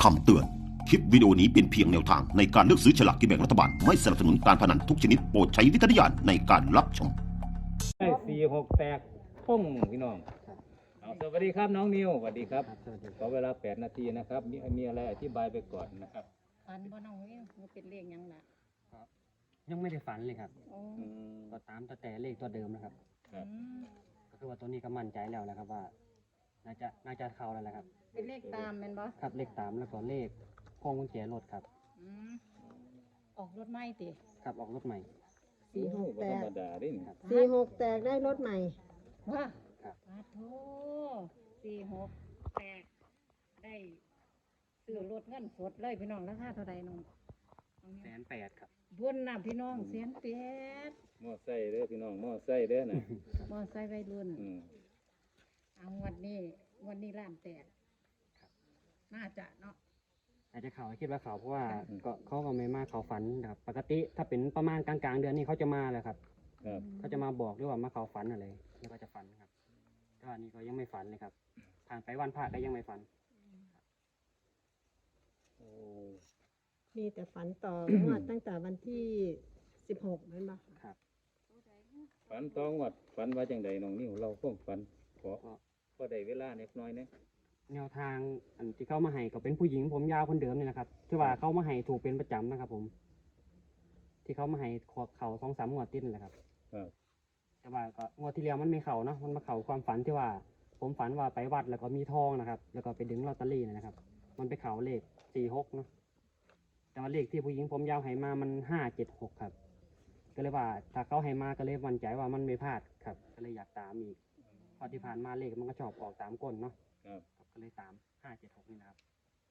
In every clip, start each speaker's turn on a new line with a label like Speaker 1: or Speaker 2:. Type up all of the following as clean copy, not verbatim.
Speaker 1: คำเตือน คลิปวิดีโอนี้เป็นเพียงแนวทางในการเลือกซื้อฉลากกินแบ่งรัฐบาล ไม่สนับสนุนการพนันทุกชนิดโปรดใช้วิจารณญาณในการรับชม
Speaker 2: ได้4-6แตกพุ่งพี่น้องเอาสวัสดีครับน้องนิวสวัสดีครับขอเวลา8 นาทีนะครับมีอะไรอธิบายไปก่อนนะครับ
Speaker 3: ฝันบ่น้องนี่มันเป็นเลขหยังล่ะ
Speaker 4: ยังไม่ได้ฝันเลยครับ
Speaker 3: โอ้
Speaker 4: ก็ตามแต่เลขตัวเดิมนะครับ
Speaker 2: ครับ
Speaker 4: ก็คือว่าตัวนี้ก็มั่นใจแล้วนะครับว่า น่าจะเข้าแล้วแหละครับ
Speaker 3: เป็นเลขตามแม่นบ่
Speaker 4: ครับเลขตามแล้วก็เลขพวงกุญแจรถครับ
Speaker 3: อืมออกรถใหม่ติ
Speaker 4: ครับออกรถใหม่
Speaker 3: 4-6
Speaker 2: ธรรมดาเด้นี่
Speaker 5: 4-6 แตกได้รถใหม่
Speaker 3: ว่า
Speaker 4: ครับ
Speaker 3: ปาโธ4-6แตกได้ซื้อรถเงินสดเลยพี่น้องราคาเท่าใดน้อง
Speaker 4: 180,000ครับ
Speaker 3: บุญน่ะพี่น้องแสนแปด
Speaker 2: มอไซค์เด้อพี่น้องมอไซค์เด้อนะ
Speaker 3: มอไซค์วัยรุ่น
Speaker 2: อืม
Speaker 3: เอาวันนี้ล้านแตกน่าจะเนาะ
Speaker 4: อาจจะเขาคิดว่าเขาเพราะว่าก็เขาก็ไม่มาเขาฝันนะครับปกติถ้าเป็นประมาณกลางๆเดือนนี้เขาจะมาแหละครับ
Speaker 2: ครับ
Speaker 4: เขาจะมาบอกด้วยว่ามาเขาฝันอะไรแล้วก็จะฝันครับแต่ว่านี่ก็ยังไม่ฝันเลยครับผ่านไปวันพระก็ยังไม่ฝัน
Speaker 2: โอ้
Speaker 5: มีแต่ฝันต่องวดตั้งแต่วันที่ 16นั่นบ่
Speaker 4: ครับ
Speaker 2: ฝันต้องวัดฝันว่าจังใดน้องนิวเราพวกฝันพอได้เวลาเล็กน้อยนะ
Speaker 4: แนวทางอันที่เขามาให้ก็เป็นผู้หญิงผมยาวคนเดิมนี่แหละครับที่ว่าเขามาให้ถูกเป็นประจำนะครับ ผม ที่เขามาให้ขวบเข่า2-3 งวดติดนั่นแหละครับ
Speaker 2: ครับ
Speaker 4: แต่ว่าก็งวดที่แล้วมันไม่เข่าเนาะมันมาเข่าความฝันที่ว่า ผมฝันว่าไปวัดแล้วก็มีทองนะครับ แล้วก็ไปดึงลอตเตอรี่นะครับ มันไปเข่าเลข46เนาะแต่ว่าเลขที่ผู้หญิงผมยาวให้มามัน576ครับก็เลยว่าถ้าเขาให้มาก็เลยมั่นใจว่ามันไม่พลาดครับ ก็เลยอยากตามอีกพอที่ผ่านมาเลขมันก็ชอบออกตามก้นเนาะ
Speaker 2: ครับ
Speaker 4: ก็เลยตาม576นี่นะครับ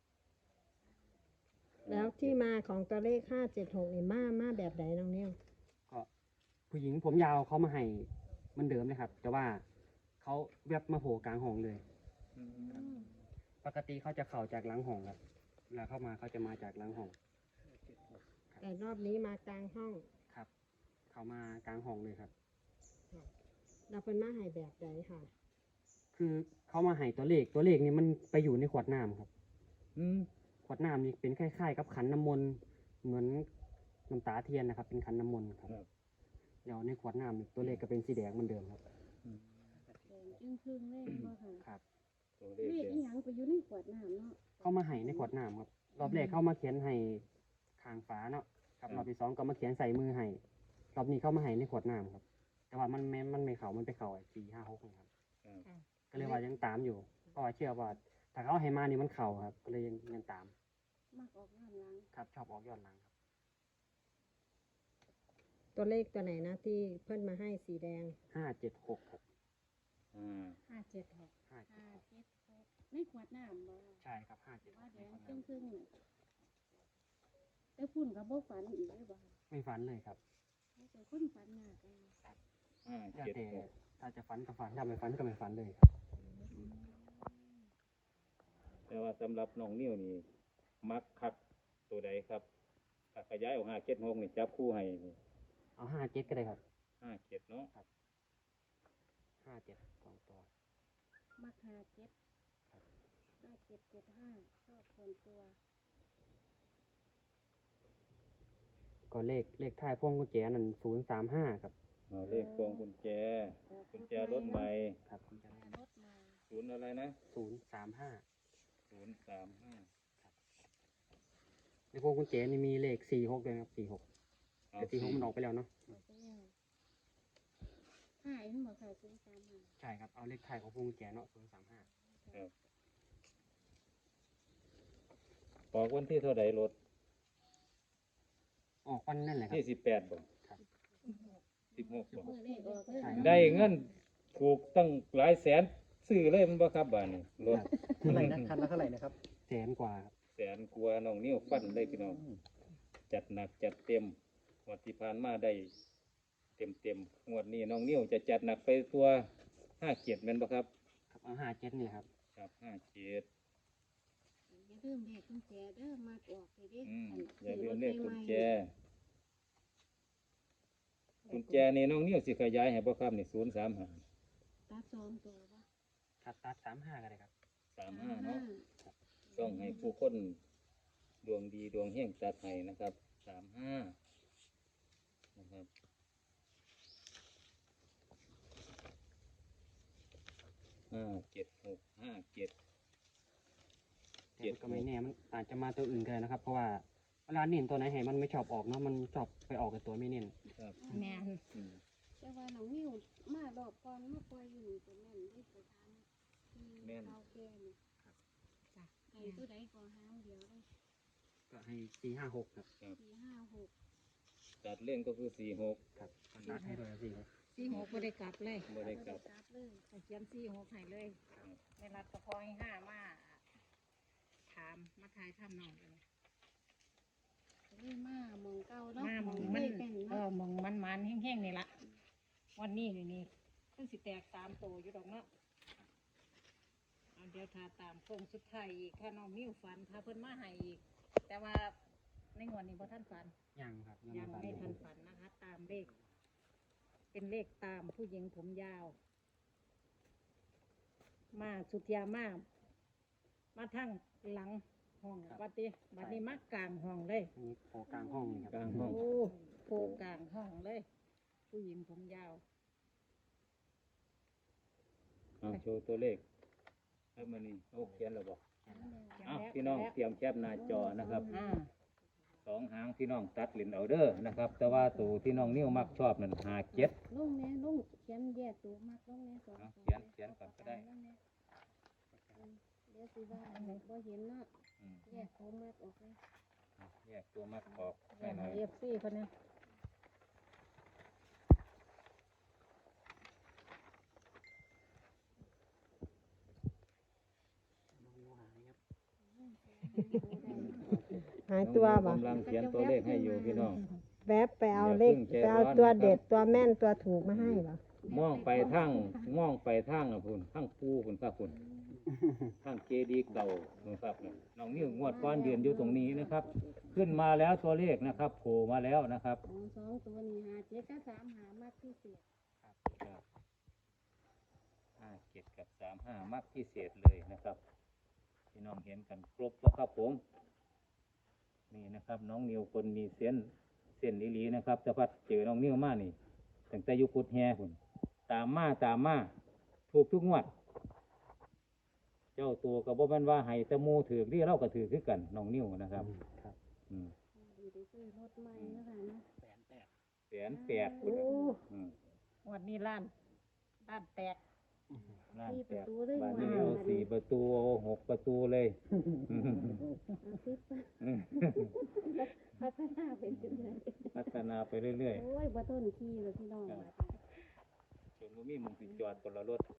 Speaker 5: แล้วที่มาของตัวเลข 576นี่มาแบบใดน้องนิ้ว
Speaker 4: ก็ผู้หญิงผมยาวเขามาให้เหมันเดิมเลยครับ แต่ว่าเขาแวบมาโผล่กลางห้องเลย
Speaker 2: อืม
Speaker 4: ปกติเขาจะเข่าจากหลังห้องครับเวลาเข้ามาเขาจะมาจากหลังห้อง
Speaker 5: แต่รอบนี้มากลางห้อง
Speaker 4: ครับ เขามากลางห้องเลยครับ
Speaker 5: เราเพิ่นมาให้แบบใดค่ะ
Speaker 4: คือเขามาให้ตัวเลขนี่มันไปอยู่ในขวดน้ำครับ
Speaker 2: อืม
Speaker 4: ขวดน้ำนี่เป็นคล้ายๆกับขันน้ำมนต์เหมือนน้ำตาเทียนนะครับ เป็นขันน้ำมนต์ครับ
Speaker 2: ครับ
Speaker 4: เดี๋ยวในขวดน้ำนี่ตัวเลขก็เป็นสีแดงเหมือนเดิมครับ
Speaker 3: จึงพึ่งเลยบ่ค่ะ
Speaker 4: ครับ
Speaker 2: ตัวเล
Speaker 3: เล
Speaker 2: ข
Speaker 3: ข
Speaker 2: เด่
Speaker 3: อี
Speaker 2: น
Speaker 3: หยังไปอยู่ในขวดน้ำเนาะ
Speaker 4: เขามาให้ในขวดน้ำครับ รอบแรกเขามาเขียนให้ข้างฝาเนาะครับรอบที่2ก็มาเขียนใส่มือให้รอบนี้เขามาให้ในขวดน้ำครับ แต่ว่ามันไม่เข่ามันไปเข่า4-5-6นะครับ
Speaker 2: ครับ
Speaker 4: ก็เลยว่ายังตามอยู่เพราะว่าเชื่อว่าถ้าเขาให้มานี่มันเข่าครับ ก็เลยยังตาม
Speaker 3: มักออกย้อนหลัง
Speaker 4: ครับชอบออกย้อนหลังครับ
Speaker 5: ตัวเลขตัวไหนนะที่เพิ่นมาให้สีแดง
Speaker 4: 576ครับ
Speaker 2: อ่า
Speaker 3: 576
Speaker 4: 576
Speaker 3: ในขวดน้ำบ่
Speaker 4: ใช่ครับ
Speaker 3: ว่าแดง
Speaker 4: 576
Speaker 3: จึงพึ่งน่ะแต่พุ่นก็บ่ฝันอีกเลยบ่ค่ะ
Speaker 4: ไม่ฝันเลยครับ
Speaker 3: แต่คนฝันยากกัน
Speaker 4: แล้วแต่
Speaker 2: 5-7-6
Speaker 4: ถ้าจะฝันก็ฝันถ้าไม่ฝันก็ไม่ฝันเลยครับ
Speaker 2: แต่ว่าสำหรับน้องนิวนี่มักคักตัวใดครับถ้าขยายออก5-7-6นี่จับคู่ให้
Speaker 4: เอา57ก็ได้ครับ
Speaker 2: 5-7เนาะ
Speaker 4: 57 2 ตัว
Speaker 3: มัก57 5775ชอบคนตัว
Speaker 4: ก็เลขท้ายพวงกุญแจนั่น035ครับ
Speaker 2: เอาเลขพวงกุญแจรถใหม่
Speaker 4: ครับกุญแจรถ
Speaker 3: รถมา
Speaker 2: ศูนย์อะไรนะ
Speaker 4: 035
Speaker 2: 035
Speaker 4: ในพวงกุญแจนี่มีเลข46ด้วยนะครับ46แต่46มันออกไปแล้วเนาะ
Speaker 3: เอาไปแล้ว5เห็นบ่ค่ะ035
Speaker 4: ใช่ครับ เอาเลขท้ายของพวงกุญแจเนาะ035
Speaker 2: ครับบอกวันที่เท่าไหร่รถ
Speaker 4: ออกวันนั่นแหละครับ
Speaker 2: ที่18บ่
Speaker 4: ครับ
Speaker 2: 16บ่
Speaker 3: มื้อเลขออกเลย
Speaker 4: ใช่
Speaker 2: ได้เงินถูกตั้งหลายแสนซื้อเลยมันบ่ครับบ้านนี้รถ
Speaker 6: เท่าไหร่นะคันละเท่าไหร่นะครับ
Speaker 4: แสนกว่าครับ
Speaker 2: แสนกว่าน้องนิ้วฟันเลยพี่น้องจัดหนักจัดเต็มงวดที่ผ่านมาได้เต็มงวดนี้น้องนิ้วจะจัดหนักไปตัว57แม่นบ่ครับ
Speaker 4: ครับเอา57นี่แหละครับ
Speaker 2: ครับ57
Speaker 3: อย่าลืมเลขกุญแจเด้อมาออกไปเด้
Speaker 2: อย่าลืมเลขกุญแจนี่น้องนิ้วสิขยายให้บ่ครับนี่035
Speaker 3: ตัด2ตัวบ่
Speaker 4: ตัด35ก็ได้ครับ
Speaker 2: 35เนาะต้องให้ผู้คนดวงดีดวงเฮงตัดให้นะครับ35นะครับ57
Speaker 4: แต่ก็ไม่แน่มันอาจจะมาตัวอื่นก็ได้นะครับ เพราะว่าเวลาเน้นตัวไหนให้มันไม่ชอบออกเนาะมันชอบไปออกกับตัวไม่เน้น
Speaker 2: ครับ
Speaker 3: แม่น
Speaker 2: อืม
Speaker 7: แต่ว่าน้องนิวมารอบก่อนมาปล่อยอยู่นี่ก็แม่นได้ไปทางที่เขาแก่นี่
Speaker 3: จ้ะ
Speaker 7: ไก่ตัวใดก็หางเดียวเลย
Speaker 4: ก็ให้456ครับ
Speaker 7: 456
Speaker 2: ตัดเล่นก็คือ46
Speaker 4: ครับมันนัดให้ด้วย4
Speaker 3: 46บ่ได้กลับเลย
Speaker 2: บ่ได้กลับ
Speaker 7: จับเลย
Speaker 3: ก็เขียน46ให้เลยในรัฐก็พอให้5มาถามมาทายทำน้องเลย
Speaker 7: เลยมามองเก่าเนาะ
Speaker 3: มาหมอง
Speaker 7: เล
Speaker 3: มัน
Speaker 7: ขแก่น
Speaker 3: เอ
Speaker 7: เนาะ
Speaker 3: อหมองมันแห้งๆนี่ละวันนี้นี่คือสิแตก3ตัวอยู่ดอกเนาะเอาเดี๋ยวทาตามโค้งสุดท้ายอีกถ้าน้องมิ้วฝันถ้าเพิ่นมาให้อีก แต่ว่าในงวดนี้บ่ทันฝัน
Speaker 4: ยังครับ
Speaker 3: ยัง
Speaker 4: ฝัน
Speaker 3: ไม่ทันฝันนะคะ ตามเลข เป็นเลขตามผู้หญิงผมยาว มาสุดยามาทั้งหลังห้องบัดนี้มากลางห้องเลย
Speaker 4: อันนี้โผล่กลางห้องนี่ครับ
Speaker 2: กลางห้อง
Speaker 3: โอ้โผล่กลางห้องเลย ผู้หญิงผมยาว
Speaker 2: โชว์ตัวเลขให้มานี่โอ้เขียนแล้วบอก
Speaker 3: เขียน
Speaker 2: อ้าว
Speaker 3: แล้ว
Speaker 2: พี่น้อง
Speaker 3: แล้ว
Speaker 2: เตรียมแคปหน้าจอนะครับ
Speaker 3: อ่า
Speaker 2: 2 หางพี่น้องตัดลินเอาเด้อนะครับ แต่ว่าตัวที่น้องนิ้วมักชอบนั่น57
Speaker 7: ลุงแม่ลุงเขียนแยกตัวมากลุงแม่สอง
Speaker 2: เอา
Speaker 7: ตัว
Speaker 2: เขียนก่อนก็ได้
Speaker 7: ลุงแม่เดี๋ยวสิว่าบ่เห็นเนาะ
Speaker 2: อืม
Speaker 7: แยกตัวมากออกเลย
Speaker 2: แยกตัวมักออก
Speaker 3: แย
Speaker 2: ให้
Speaker 3: ก
Speaker 2: หน่อย
Speaker 3: เอฟซีคนนี้
Speaker 5: หายตัวบ่
Speaker 2: กำลังเขียนตัวเลขให้อยู่พี่น้อง
Speaker 5: แวบไปเอา
Speaker 2: อย่า
Speaker 5: เลข
Speaker 2: เพิ่งใจ
Speaker 5: ไปเอา
Speaker 2: ร้อน
Speaker 5: ตัว
Speaker 2: นะครับ
Speaker 5: เด็ดตัวแม่นตัวถูกมาให้เหรอ
Speaker 2: มองไปทางอ่ะพุ่นทางปูพุ่นครับพุ่นทางเจดีย์เก่านะครับเนี่ยน้องนิ้วงวดก้อนยืนอยู่ตรงนี้นะครับ ขึ้นมาแล้วตัวเลขนะครับโผล่มาแล้วนะครับ
Speaker 7: ของสองตัวนี้57กับ35มากที่สุด
Speaker 2: 57กับ35มักพิเศษเลยนะครับพี่น้องเห็นกันครบแล้วครับผมนี่นะครับ น้องนิวคนมีเส้นอีหลีนะครับแต่พัดเจอน้องนิวมานี่ตั้งแต่อยุกุดแฮพุ่นตามมาถูกทุกงวด เจ้าตัวกับบ่แม่นว่าให้แตะมูถือที่เราก็ถือคือกันน้องนิวนะครับ
Speaker 4: ครับ
Speaker 2: อืม
Speaker 7: อยู่ได้ซื้อรถใหม่นะคะเนาะ
Speaker 2: 108,000
Speaker 3: โอ้
Speaker 2: อืม
Speaker 3: วันนี้ล้านแตก
Speaker 2: ล้าน
Speaker 7: 4
Speaker 2: แต
Speaker 7: ประ
Speaker 2: ก
Speaker 7: ตูเลย
Speaker 2: บ้าน
Speaker 7: ว่า
Speaker 2: นี้เอา4 ประตูเอา6 ประตูเลย
Speaker 7: พัฒนาเป็นจังได๋
Speaker 2: พัฒนาไปเรื่อย
Speaker 7: โอ้ยบ่ทนขี่เลยพี่น้อง
Speaker 2: ๆจนบ่มีหมุงสิจอดคนละรถ